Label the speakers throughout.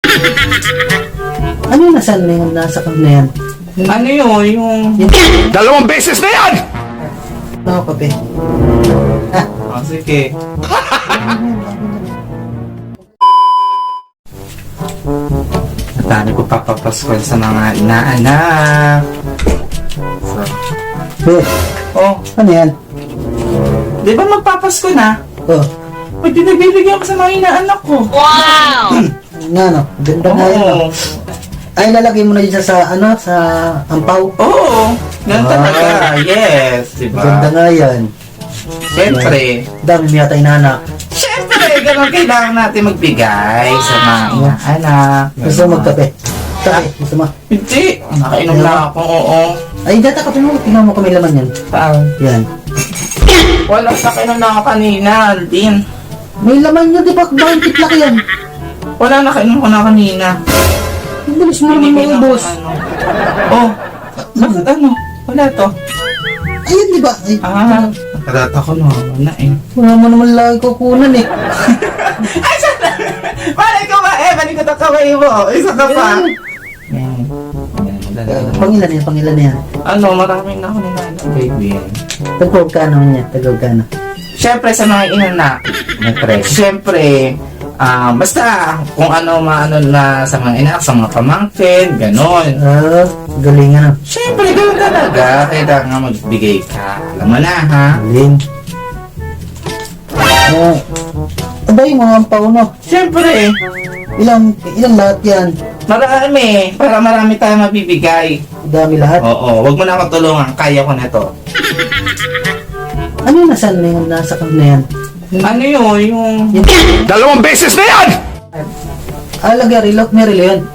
Speaker 1: Ano yung nasaan na yung nasa kap na yan?
Speaker 2: Ano yun? Yung...
Speaker 3: Dalawang beses na yan!
Speaker 1: Ano kape?
Speaker 2: Oh, sige. Dami ko papapaskol sa mga inaanak. So,
Speaker 1: Be,
Speaker 2: oh,
Speaker 1: ano yan?
Speaker 2: di ba magpapasko na?
Speaker 1: Oh,
Speaker 2: Pag binibigyan ko sa mga inaanak ko.
Speaker 1: nga no, ganda nga yan no.
Speaker 2: Oo.
Speaker 1: Ay, lalagay mo na dyan sa, ano, sa ampaw.
Speaker 2: Oo. Ganun
Speaker 1: Ah.
Speaker 2: talaga. Yes. Diba?
Speaker 1: Ganda nga yan.
Speaker 2: Siyempre.
Speaker 1: Dami mo yata inanak.
Speaker 2: Siyempre. Ganun kailangan natin magbigay sa mga inaanak.
Speaker 1: Gusto mo magkape? Kape, gusto mo?
Speaker 2: Hindi. Nakainom na ako. Oo.
Speaker 1: Ay, data kape mo, tingnan mo kung may laman yan.
Speaker 2: Saan?
Speaker 1: Yan.
Speaker 2: Wala. Nakainom na ako kanina, Aldin.
Speaker 1: May laman yun, di ba? Bakit titlak yan?
Speaker 2: Wala. Nakainom ko na kanina.
Speaker 1: Ang bilis mo naman
Speaker 2: Binigay
Speaker 1: mga
Speaker 2: ng
Speaker 1: boss.
Speaker 2: ano. Oh. Bakit ano? Wala to.
Speaker 1: Ayun, di ba? Ay,
Speaker 2: Nakarata ko na. Wala eh.
Speaker 1: wala mo naman lagi kukunan eh.
Speaker 2: Ay, sana! Malay ko ba eh? Balik ko ito kamay mo. Isa ka pa. Yan.
Speaker 1: Pangilan yan, pangilan yan.
Speaker 2: Ano, maraming na ako ninanong, baby.
Speaker 1: Tagpog ka naman yan, tagpog ka na.
Speaker 2: Siyempre, sa mga inanak, siyempre, basta kung ano maano na sa mga inanak, sa mga pamangkin, ganon.
Speaker 1: Ah, galing ano.
Speaker 2: Siyempre, ganon talaga. Kailangan magbigay ka. Alam mo na, ha?
Speaker 1: Galing. Aba yung mga ampaw no?
Speaker 2: Siyempre,
Speaker 1: Ilang lahat yan?
Speaker 2: marami. Para marami tayong mabibigay.
Speaker 1: Dami lahat?
Speaker 2: Oo, wag mo na akong tulungan. Kaya ko na to.
Speaker 1: Ano yung nasaan na yung nasa kap na yan?
Speaker 2: Ano yun? Yung...
Speaker 3: Dalawang beses na yan!
Speaker 1: Lagyan, relock, may relo yan.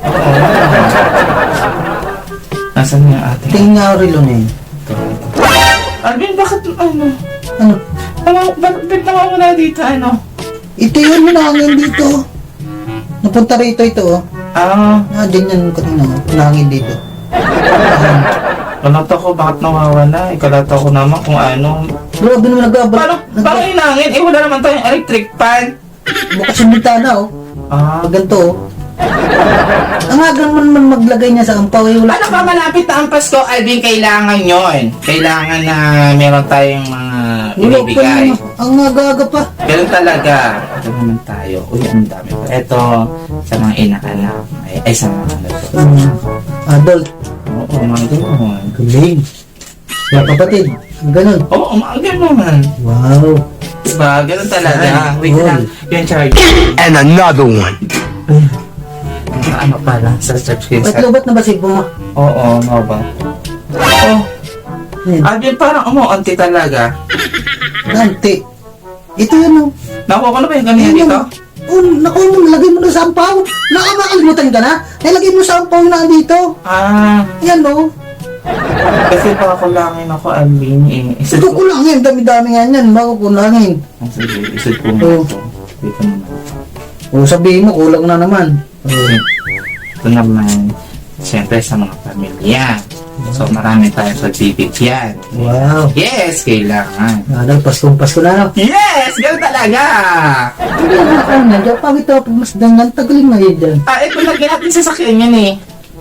Speaker 2: Nasaan yung ating...
Speaker 1: Tingin nga relo na yun.
Speaker 2: Alvin, bakit ano?
Speaker 1: Ano?
Speaker 2: Bakit nawawala dito ano?
Speaker 1: Ito yun, nangangin dito. Napunta rito ito oh. Dyan yan kanina oh. Nangangin dito.
Speaker 2: Kalata ko, bakit nawawala? Ikalata ko naman kung ano.
Speaker 1: Grabe naman
Speaker 2: Parang inangin, wala naman tayong electric fan.
Speaker 1: Bukas yung bintana oh. Ganito oh. Ang aga naman maglagay niya sa ampaw eh. Wala.
Speaker 2: Ano pa malapit na ang Pasko, Alvin, kailangan yon. Kailangan na meron tayong mga
Speaker 1: Wala pa
Speaker 2: binibigay.
Speaker 1: yun. Ang aga pa.
Speaker 2: Ganun talaga. Ito naman tayo. Uy, ang dami pa. Ito, sa mga inaanak. Ay, sa mga ano to.
Speaker 1: Adult.
Speaker 2: Oo, mga ganun.
Speaker 1: Galing. Mga kapatid. Ganun.
Speaker 2: Oo, mga ganun.
Speaker 1: Wow.
Speaker 2: Diba? Ganun talaga. Wait
Speaker 1: Cool.
Speaker 2: lang. Yung charge.
Speaker 3: And another one.
Speaker 2: Ano pala? Sa subscribe.
Speaker 1: Wait, lobat na ba si Buma?
Speaker 2: Oo, no ba? Oh,
Speaker 1: Yan.
Speaker 2: Alvin, parang umuunti talaga.
Speaker 1: Nanti. Ito yun oh.
Speaker 2: Nakuha ko na ba yung ganyan
Speaker 1: Ayun,
Speaker 2: dito?
Speaker 1: Oh, naku, lagay mo na sa ampaw. Nakakalimutan ka na? Nilagay mo sa ampaw na dito. Yan oh.
Speaker 2: Kasi pakulangin ako, Alvin eh. Isip
Speaker 1: Ito
Speaker 2: ko.
Speaker 1: kulangin. Dami-dami nga yan. Bago kulangin.
Speaker 2: Sige, isip ko mo
Speaker 1: Oo.
Speaker 2: ito. Dito naman.
Speaker 1: O sabihin mo, kulang na naman.
Speaker 2: Ito naman, siyempre sa mga pamilya. So marami tayong pagbibigyan.
Speaker 1: Wow.
Speaker 2: Yes, kailangan.
Speaker 1: Dahil Pasko na no.
Speaker 2: Yes! Ganun talaga!
Speaker 1: Hindi na ako na. Diyan pa ito. Mas dangan. Tagaling na yun dyan.
Speaker 2: Ito lagyan natin sa sakyan yan eh.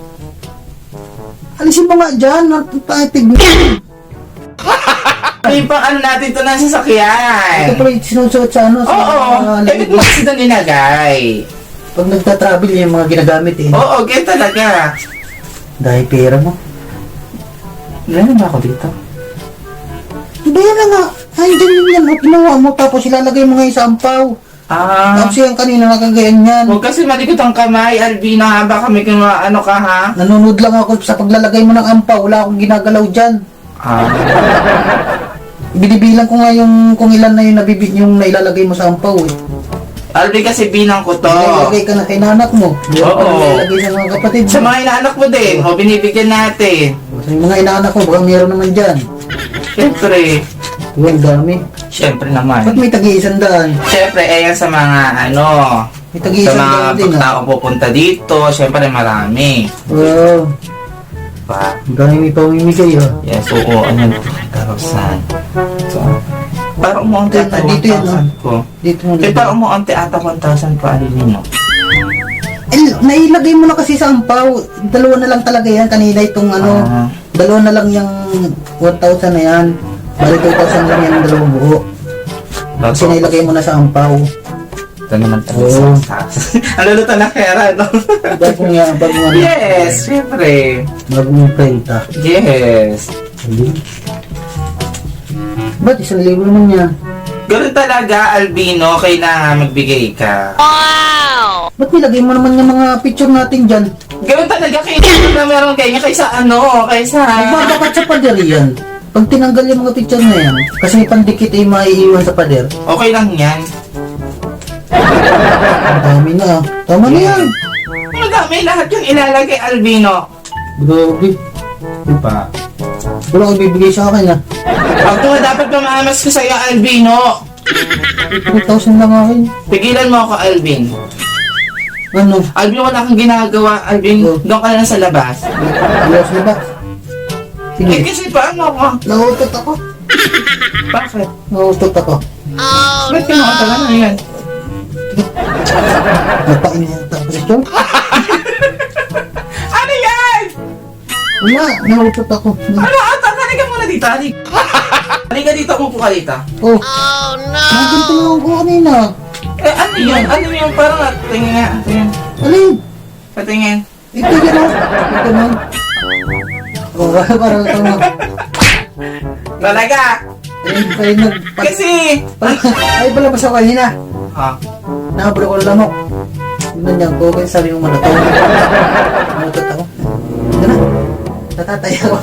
Speaker 1: Alisin mo nga dyan. Patig mo.
Speaker 2: May pang ano natin ito na sa
Speaker 1: Ito
Speaker 2: sakyan.
Speaker 1: pala yung sinusuot sa ano. Sa
Speaker 2: Oo,
Speaker 1: lamig
Speaker 2: mo kasi doon inagay.
Speaker 1: Pag nagta-travel yung mga ginagamit eh.
Speaker 2: Oo, ganyan talaga.
Speaker 1: Dahil pera mo.
Speaker 2: Meron ba ako dito?
Speaker 1: Hindi yan na nga. Ay, dyan yan. Ginawa mo. Tapos ilalagay mo ngayon sa ampaw. Tapos yan kanina nakagayan yan.
Speaker 2: Huwag kasi malikot ang kamay, Alvina, ha? Baka may ano ka, ha?
Speaker 1: Nanonood lang ako sa paglalagay mo ng ampaw. Wala akong ginagalaw dyan. Binibilang ko nga yung kung ilan na yung yung nailalagay mo sa ampaw eh.
Speaker 2: Alvin, kasi binang ko to.
Speaker 1: Ilalagay ka na kay nanak mo. Hindi
Speaker 2: Oo.
Speaker 1: ka ilalagay sa mga kapatid mo.
Speaker 2: Sa mga inaanak mo din, o binibigyan natin.
Speaker 1: Sa mga inaanak ko, baka meron naman dyan.
Speaker 2: Siyempre,
Speaker 1: Ang dami.
Speaker 2: siyempre
Speaker 1: Ba't
Speaker 2: naman.
Speaker 1: may tagi-100?
Speaker 2: Siyempre, ayan sa mga ano,
Speaker 1: May
Speaker 2: sa
Speaker 1: tagi-100
Speaker 2: mga
Speaker 1: din ah.
Speaker 2: taong pupunta dito, siyempre marami.
Speaker 1: Wow.
Speaker 2: Pa.
Speaker 1: Ang dami may pamimigay ah.
Speaker 2: Yes, oo, ano, karosan. So, parang umuunti ata
Speaker 1: Dito yan,
Speaker 2: 1,000 ko.
Speaker 1: Dito mo
Speaker 2: Eh, parang umuunti ata 1,000 pa, alin mo.
Speaker 1: nailagay mo na kasi sa ampaw. Dalawa na lang talaga yan. Kanina itong dalawa na lang yung 1,000 na yan. Bali 2,000 lang yan ang dalawang buo. Kasi nailagay mo na sa ampaw.
Speaker 2: Ito naman talaga
Speaker 1: Oo.
Speaker 2: sa taas. Ang luluto na pera, no?
Speaker 1: Bagong yan, bagong ano.
Speaker 2: Yes, syempre.
Speaker 1: Bagong prenta.
Speaker 2: Yes.
Speaker 1: Ba't 1,000 naman yan?
Speaker 2: Ganun talaga, Albino, kailangan magbigay ka.
Speaker 1: Ba't nilagay mo naman yung mga picture natin dyan?
Speaker 2: Ganun talaga, kailangan na meron kayo kaysa kaysa...
Speaker 1: Magbabakat sa pader yan. Pag tinanggal yung mga picture na yan, kasi may pandikit ay maiiwan sa pader.
Speaker 2: Okay lang yan.
Speaker 1: Ang dami na. Tama na yan.
Speaker 2: Madami lahat yung ilalagay, Albino.
Speaker 1: Grabe.
Speaker 2: Diba?
Speaker 1: Wala kang bibigay sa akin ah.
Speaker 2: Pag nga dapat mamamas ko sa'yo, Albino.
Speaker 1: 2,000 lang akin.
Speaker 2: Pigilan mo ako, Alvin.
Speaker 1: Ano?
Speaker 2: Alvin, wala kang ginagawa. Alvin,
Speaker 1: Oh.
Speaker 2: doon ka na sa labas.
Speaker 1: Ayos na ba?
Speaker 2: Eh,
Speaker 1: Sige.
Speaker 2: kasi paano ako?
Speaker 1: Nautot ako.
Speaker 2: Bakit?
Speaker 1: Nautot ako.
Speaker 2: Ba't kinakatalan na yan?
Speaker 1: Napainita ko siya.
Speaker 2: Ano yan?
Speaker 1: Wala, nautot ako.
Speaker 2: Ano? Halika muna dito, halika dito, umupo ka dito.
Speaker 1: Oh. Mga ganito lang ako kanina.
Speaker 2: Eh, ano yun? Ano yun? Parang tingin nga. Tingin.
Speaker 1: Alin?
Speaker 2: Patingin.
Speaker 1: Ito yan o. Ito na. Oh, parang ito na.
Speaker 2: Talaga?
Speaker 1: Ay, nag...
Speaker 2: Kasi...
Speaker 1: Ay, pala ba sa kanina?
Speaker 2: Ha?
Speaker 1: Nakabalo ko lang ako. Nandiyan ko, kaya sabi mo malataw. Nalutot ako. Ito na. Natatay ako.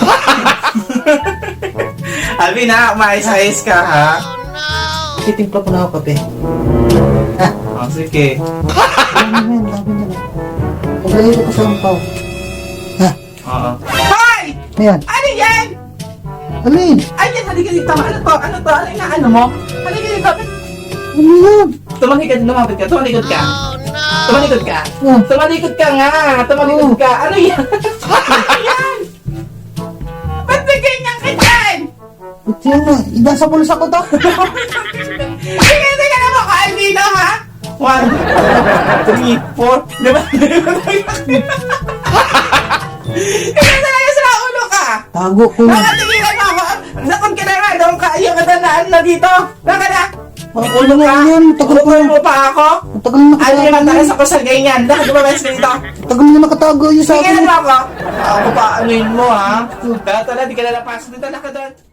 Speaker 2: Alvin ha, mais-ayos ka ha?
Speaker 1: Titimpla ko na ako kape. Ha?
Speaker 2: Oh, sige.
Speaker 1: Ano yan? Labi na lang. Paglayo ko sa ampaw. Ha?
Speaker 2: Oo. Hoy!
Speaker 1: Ayan.
Speaker 2: Ano yan?
Speaker 1: Alin?
Speaker 2: Ayan, halika dito. Ano to? Ano to? Ano yung ano mo? Halika dito.
Speaker 1: Ano yan?
Speaker 2: Lumapit ka. Tumalikod ka. Tumalikod ka.
Speaker 1: Oh.
Speaker 2: Tumalikod ka nga. Tumalikod ka. Ano yan? Ano yan? Ba't may ganyan ka dyan?
Speaker 1: Ito yan na. Idasa pulos ako to.
Speaker 2: Tingnan mo ka, Albino, ha? 1, 2, 3, 4. Diba? Tingnan talaga sa ulo ka.
Speaker 1: Tago ko.
Speaker 2: Nakatigilan mo ako. Nakon ka na nga. Doon ka. Ayaw ka na dito. Baka na.
Speaker 1: Ang ulo nga yan. Tagal ko.
Speaker 2: Ulo mo pa ako.
Speaker 1: Ang tagal na
Speaker 2: Ano yung
Speaker 1: nakatago.
Speaker 2: matakas ako sa ganyan? Dahil lumabas ka dito.
Speaker 1: Ang tagal na nakatago yun sa
Speaker 2: Tingnan
Speaker 1: akin.
Speaker 2: mo ako. Ako pa anuin mo, ha? Kaya tala, di ka na napasok. Dito na ka doon.